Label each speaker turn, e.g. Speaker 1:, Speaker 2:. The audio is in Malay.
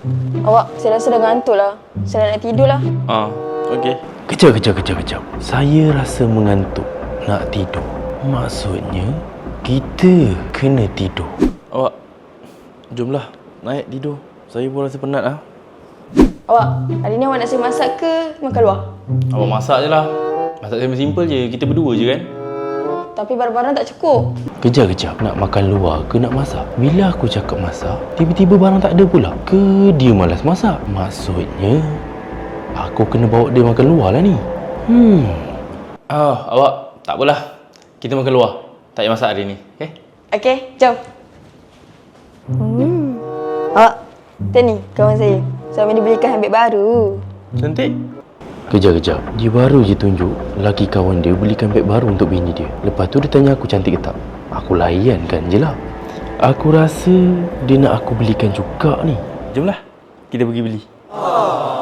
Speaker 1: Awak, saya rasa dah ngantuk lah. Saya nak tidur lah.
Speaker 2: Okey.
Speaker 3: Kejap. Saya rasa mengantuk. Nak tidur. Maksudnya, kita kena tidur.
Speaker 2: Awak, jomlah. Naik tidur. Saya pun rasa penat lah.
Speaker 1: Awak, hari ni awak nak saya masak ke makan luar?
Speaker 2: Awak masak je lah. Masak saya simple je. Kita berdua je kan?
Speaker 1: Tapi barang-barang tak cukup.
Speaker 3: Kejap. Nak makan luar ke nak masak? Bila aku cakap masak, tiba-tiba barang tak ada pula. Ke dia malas masak? Maksudnya, aku kena bawa dia makan luar lah ni.
Speaker 2: Awak, tak apalah. Kita makan luar. Tak payah masak hari ni. Okay?
Speaker 1: Okey, jom. Awak, tu ni kawan saya. Suami dia belikan handbag baru.
Speaker 2: Cantik.
Speaker 3: Kejap. Dia baru je tunjuk laki kawan dia belikan beg baru untuk bini dia. Lepas tu dia tanya aku cantik ke tak. Aku layankan je lah. Aku rasa dia nak aku belikan juga ni.
Speaker 2: Jomlah. Kita pergi beli.